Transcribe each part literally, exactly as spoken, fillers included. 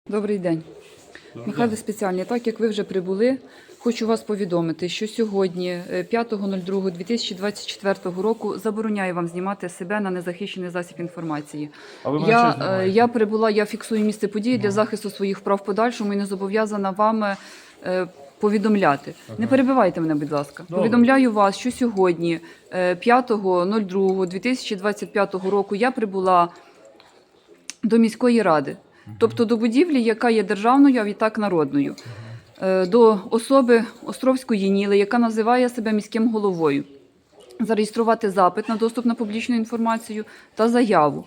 Добрий день. Добрий Михайло день. Спеціальний, так як ви вже прибули, хочу вас повідомити, що сьогодні, п'ятого другого дві тисячі двадцять четвертого року, забороняю вам знімати себе на незахищений засіб інформації. А ви мене Я, що знімаєте? я прибула, я фіксую місце події для захисту своїх прав в подальшому і не зобов'язана вами е, повідомляти. Ага. Не перебивайте мене, будь ласка. Добре. Повідомляю вас, що сьогодні, п'ятого другого дві тисячі двадцять п'ятого року, я прибула до міської ради. Тобто до будівлі, яка є державною, а відтак народною. До особи Островської Ніли, яка називає себе міським головою. Зареєструвати запит на доступ на публічну інформацію та заяву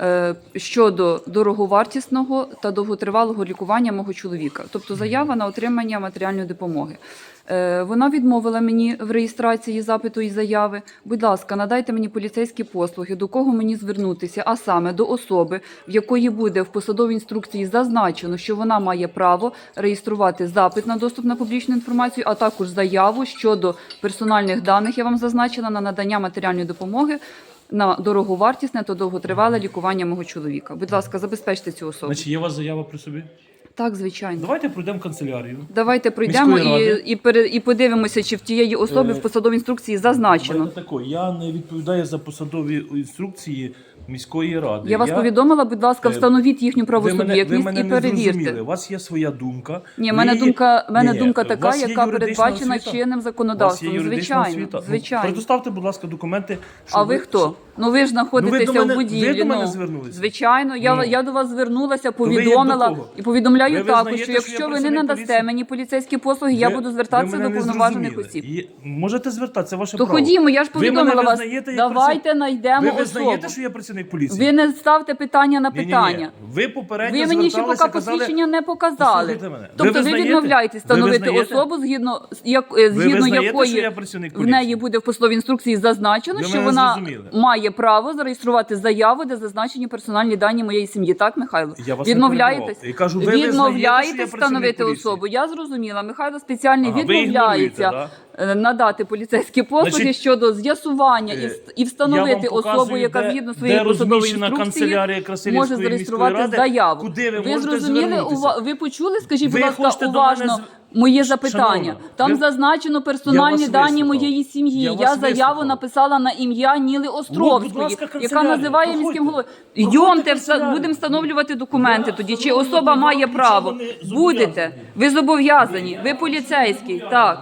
щодо дороговартісного та довготривалого лікування мого чоловіка. Тобто заява на отримання матеріальної допомоги. Вона відмовила мені в реєстрації запиту і заяви. Будь ласка, надайте мені поліцейські послуги, до кого мені звернутися, а саме до особи, в якої буде в посадовій інструкції зазначено, що вона має право реєструвати запит на доступ на публічну інформацію, а також заяву щодо персональних даних, я вам зазначила, на надання матеріальної допомоги на дороговартісне та довготривале лікування мого чоловіка. Будь ласка, забезпечте цю особу. Значить, є у вас заява при собі? Так, звичайно. Давайте пройдемо в канцелярію. Давайте пройдемо Міської і, ради. і, пере- і подивимося, чи в тієї особи Е, в посадовій інструкції зазначено. Знаєте тако, я не відповідаю за посадові інструкції міської ради. Я вас повідомила, будь ласка, Е, встановіть їхню ви мене, ви правосуб'єктність мене і не перевірте. зрозуміли. У вас є своя думка. Ні, в Ви мене її- думка, в мене Ні, думка у така, вас є яка юридична передбачена освіта? чинним У вас є законодавством. юридична Звичайно, освіта? Ну, звичайно. предоставте, будь ласка, документи. що А ви хто? Ну ви ж знаходитеся Ну, ви до мене- в будівлі. ви до мене ну, звернулися? Звичайно, я, Ну. я до вас звернулася, ви є повідомила до кого? і повідомляю Ви також, визнаєте, що що я якщо ви не працівник надасте поліції? мені поліцейські послуги, я Ви- буду ви звертатися мене до не повноважених зрозуміли. осіб. І можете звертатися, це ваше То право. ходімо, я ж Ви мене повідомила вас. визнаєте як Давайте праців- знайдемо Ви особу. визнаєте, що я працівник поліції? Ви не ставте питання на Ні-ні-ні. питання. Ви попередньо Ви мені ще зверталися, поки казали... посвідчення не показали. Послухайте мене. Тобто ви, визнаєте? відмовляєтесь Ви встановити визнаєте? особу, згідно, з як, е, Ви згідно визнаєте, якої що я працівник в поліції? неї буде в посадовій інструкції зазначено, Ви що мене вона зрозуміли. має право зареєструвати заяву, де зазначені персональні дані моєї сім'ї. Так, Михайло? Я вас не Відмовляєтесь? перебивав. Я кажу, ви визнаєте, що я Відмовляєтесь працівник встановити поліції? особу. Я зрозуміла. Михайло Спеціальний Ага, ви відмовляється ігноруєте, е, надати поліцейські послуги Значить, щодо з'ясування і, е, вст- і Я встановити вам особу, показую, яка де- згідно своєї де посадової розміщена інструкції канцелярія Красилівської може зареєструвати міської ради, заяву. куди ви ви можете зрозуміли, звернутися? ува- ви почули, скажіть, Ви будь ласка, хочете до уважно мене з- моє запитання. Шановна, Там ви- зазначено Я персональні вас дані вислухав. моєї сім'ї. Я Я, вас заяву вислухав. написала на ім'я Ніли Островської, будь ласка, яка канцелярія. називає Проходьте. міським головою. Проходьте Йдемте, канцелярію. будемо встановлювати документи Да, тоді. Чи встановлювати, особа вам має нічого право? не зобов'язані. Будете. Ви зобов'язані. Ви поліцейський. Так.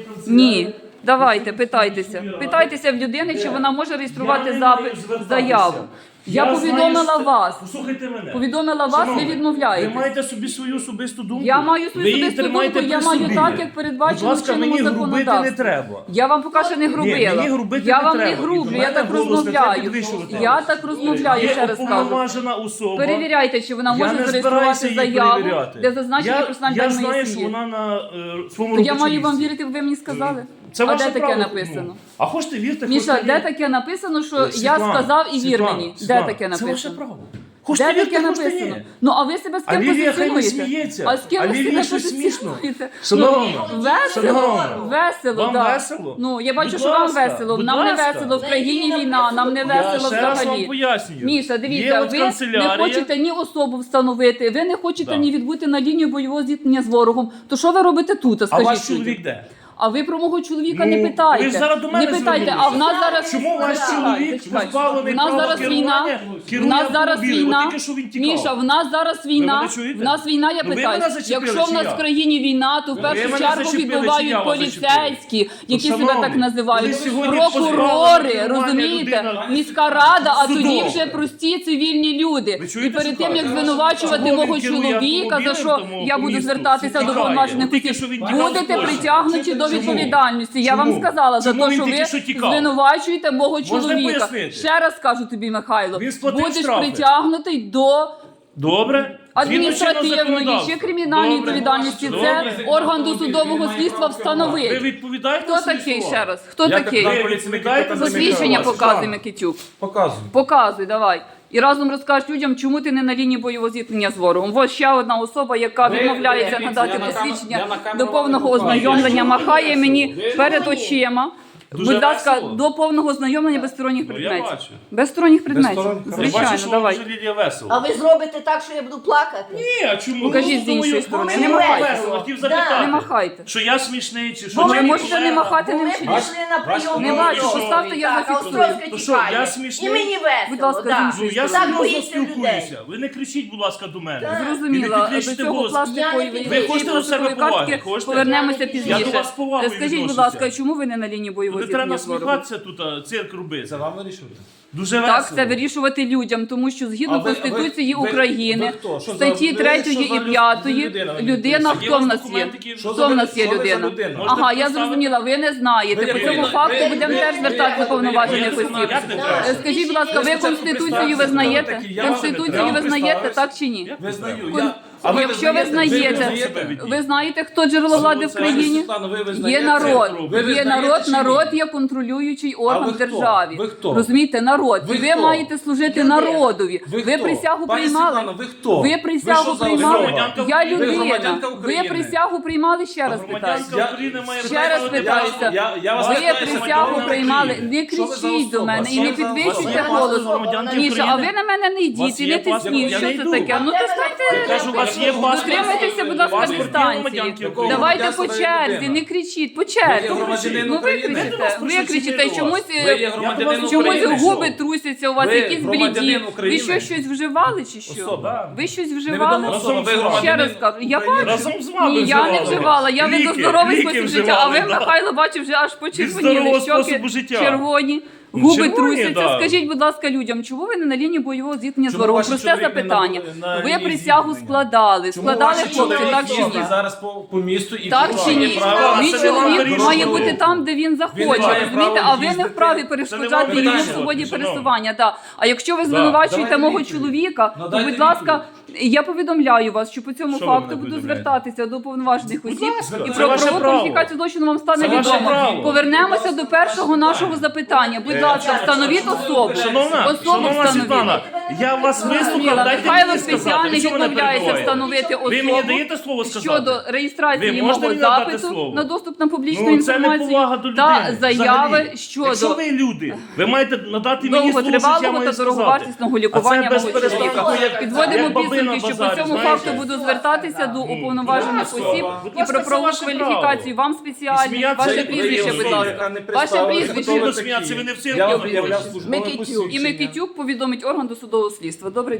Ні. Давайте, питайтеся. Питайтеся в людини, чи вона може реєструвати Я не запит, маю звертатися. заяву. Я, знаю, повідомила що- вас. Послухайте мене. Повідомила вас, Шановний, ви відмовляєтесь. Ви маєте собі свою особисту думку. Я маю свою Ви її особисту тримаєте думку, я при маю собі. так, як передбачено Будь ласка, в чинному мені грубити не законодавстві. треба. Я вам поки що не грубила. мені грубити я не вам не треба. І грублю, до я мене так голос не треба розмовляю. підвищувати. Я так розмовляю, Є ще раз кажу. уповноважена особа. Перевіряйте, чи вона Я може не зареєструвати збираюся її заяву, перевіряти. де зазначені Я, персональні я дані знаю, моєї що сім'ї. вона на е, своєму То я робочому маю вам місці. вірити, ви мені сказали? Це а ваше де таке право. написано? Ну, а хочете вірте, Міша, хочете де ні. таке написано, що Е, я Світлана, сказав і вір Світлана, мені? Де Світлана, таке Це ваше написано? право. Де Хочете таке вірте, хочете написано? ні. Ну, а ви себе з А ким Лілія хай не позиціонуєте? сміється. А з ким А ви Лілії себе щось смішно. позиціонуєте? Шановна, Ну, весело, шановна, весело, вам да. весело? Ну, я бачу, Будь що вам ласка, весело. будь Нам ласка. не весело, в країні війна, нам не Я весело ще раз вам взагалі. пояснюю. Міша, Є дивіться, от ви канцелярія. не хочете ні особу встановити, ви не хочете Да. ні відбути на лінію бойового зіткнення з ворогом. То що ви робите тут, А скажіть? ваш людям? чоловік де? А ви про мого чоловіка Ну, не питайте. ви ж зараз до мене не питайте, а в нас зараз Чому ваш чоловік Зачекайте. позбавлений В нас права зараз керування, війна. В керує нас зараз автомобілем? війна. От тільки що він тікав. Міша, в нас зараз війна. мене чуєте? В нас війна, я Ну, ви питаю. мене зачепили, Якщо в чи нас я? в країні війна, то в Ви першу мене чергу зачепили, чи я відбувають вас поліцейські, які себе шановні, так називають, коли сьогодні прокурори, позбавлена розумієте, людина міська рада, а судом. тоді вже прості цивільні люди. Ви І чуєте, перед що тим, як кажуть? звинувачувати Чому мого він керує чоловіка, за що автомобілем, я тому буду місту? звертатися Всі до тікає. повноважених От тільки осіб, що він тікав будете з Польщі. притягнуті до Чому? відповідальності. Я вам Чому? сказала за Чому те, він що тільки ви що тікав? звинувачуєте мого чоловіка. пояснити? Ще раз кажу тобі, Михайло, Він сплатив будеш штрафи. притягнутий до Добре? адміністративної чи кримінальної Добре. відповідальності. Це Добре. орган досудового слідства Ви встановить. відповідаєте Хто за свої такий слова? ще раз? Хто Я такий? капітан Ви поліції відповідаєте Микита за свої Посвідчення слова? показуй, Микитюк. Показую. Показуй, давай. І разом розкажеш людям, чому ти не на лінії бойового зіткнення з ворогом. Ось ще одна особа, яка Ви- відмовляється ви- надати я на кам- посвідчення я на камеру до повного вам не показую. ознайомлення, Я махає чому мені ви- перед очима. Дуже Будь ласка, весело. до повного ознайомлення без сторонніх Ну, я предметів. бачу. Без сторонніх предметів. сторонніх, Я Звичайно, бачу, що давай. вам вже Лілія весело. А ви зробите так, що я буду плакати? Ні, а чому? Покажіть Ну, з іншої думаю, сторони. ну, Не чому махайте. весело? Хотів Да. запитати. Не махайте. Що я смішний, чи що? Ну, ви чи можете ні? не махати, Бо не ми вчіть. пішли на прийом. Не до бачу, Островської. поставте, я Так, а зафіксую. Островська То що, чекає. я смішний? І мені весело, Будь ласка, да. з іншої Ну, я Так серйозно боїться людей. спілкуюся. Ви не кричіть, будь ласка, до мене. Так. Зрозуміла. І До не підвищуйте цього голос. пластикової Ви ви хочете до себе пластикової поваги? картки Хочете? повернемося Я пізніше. до вас з повагою Скажіть, будь відношуся. ласка, чому ви не на лінії бойового Не треба зіткнення з ворогом? насміхатися тут, а цирк робити. Це вам вирішувати. Дуже весело. Так, це вирішувати людям, тому що згідно А ви- Конституції ви- ви- України, ви хто? Що за- статті ви- третьої що за і люд- п'ятої, людина? людина, А є у хто вас в нас є? документи, які- Що Хто за в нас є що ви за людина? людина? Ага, Можете я поставити? зрозуміла, ви не знаєте. Ви- По ви- цьому ви- факту ви- будемо ви- теж ви- звертатися ви- до повноважених ви- осіб. як не Да. треба? Е, Скажіть, будь ласка, ви спочатку Конституцію представтеся, визнаєте? хто ви такі? Я вам не Конституцію треба. визнаєте, Представився. так чи ні? Як Ви не знаю. треба? Я... А ви Якщо ви знаєте, ви знаєте, хто джерело влади в це країні? Світлано, ви Є визнаєте? народ, Ви є визнаєте народ, чи ні? народ є контролюючий орган ви в хто? державі. Ви хто? Розумієте, народ. Ви І ви хто? маєте служити Людина. народові. Ви Ви хто? присягу Пані приймали. Світлано, ви хто? Ви Ви присягу що за приймали. особа? громадянка Я України? Ви людина. громадянка Ви України? присягу приймали, ще раз питаю. Громадянка Я- України має Ще право раз на питаюся. державу. Я, я вас Ви питаюся, присягу громадянка приймали. України. Не Що ви за кричіть до особа? мене і Що не ви за підвищуйте особа? голос. Громадянки Міша, а ви України. на мене не У йдіть вас і є не паспорт? тисніть. Я Що не це йду. таке? Ну то Я станьте. кажу, у вас є паспорт. Дотримайтеся, будь ласка, Паспорт дистанції. громадянки України. Давайте по Громадянство черзі, людина. не кричіть, по Ви черзі. є громадянин Ну України. викричите, Ми викричите, до чомусь вас. Ви є е, громадянин чомусь України. губи трусяться у вас, Ви якісь бліді. громадянин Ви України. що, щось вживали чи що? Особа. Ви щось вживали? Невідома особа, ви Ще громадянин раз кажу, я України. бачу. Разом з вами Ні, я не вживали. вживала, я веду Ліки, здоровий ліки спосіб життя, а ви, вживали, да. Михайло, бачив, вже аж почервоніли, здорового щоки способу життя. червоні. Ну, Губи червоні, трусяться. да. Скажіть, будь ласка, людям, чому ви не на лінії бойового зіткнення з Чому ворогом? ваші Просте чоловіки запитання. на- на Ви лінії присягу зіткнення? складали. Чому Складали ваші хлопці, чоловіки так чи ні? їздять зараз по, по місту і Так по чи ні? має право- Мій це не вам чоловік вирішувати. має бути там, де він захоче, Він не має розумієте? права А ви не їздити. вправі Це не перешкоджати вам йому вирішувати, свободі шановні. пересування. Так. А якщо ви звинувачуєте давайте мого відповідь. чоловіка, Ну, то, дайте будь ласка, відповідь. я повідомляю вас, що по цьому Що ви факту мене буду повідомляєте? звертатися до повноважених осіб ласка, і це про ваше правову право. кваліфікацію злочину вам стане Це ваше відомо. право. Повернемося до першого нашого запитання. Будь ласка, встановіть особу. Шановна, Особу шановна Світлана, встановіть. я вас вислухав, Зрозуміла. дайте Михайло мені сказати. спеціально Ви що мене відмовляється перебиваєте? встановити особу. Ви мені даєте слово сказати? Щодо реєстрації Ви можете мого мені надати запиту слово? на доступ на публічну Ну, це інформацію неповага до та людини. заяви взагалі. щодо Якщо ви люди, ви маєте надати мені слово, що я довготривалого маю та сказати. дороговартісного лікування А це мого без перестанку, чоловіка. як- Підводимо як баби на підсумки, що по базарі, цьому знаєте? факту буду звертатися до уповноважених Будь осіб ласка, і про це правову ваше кваліфікацію. Вам І спеціально. сміятися Ваше як прізвище, ви будь є ласка. яка не Ваше представилася, прізвище. хто ви сміятися, ви не в цирку Я прийшли. об'являв службове Микитюк. І посвідчення. Микитюк повідомить орган досудового слідства. Добре.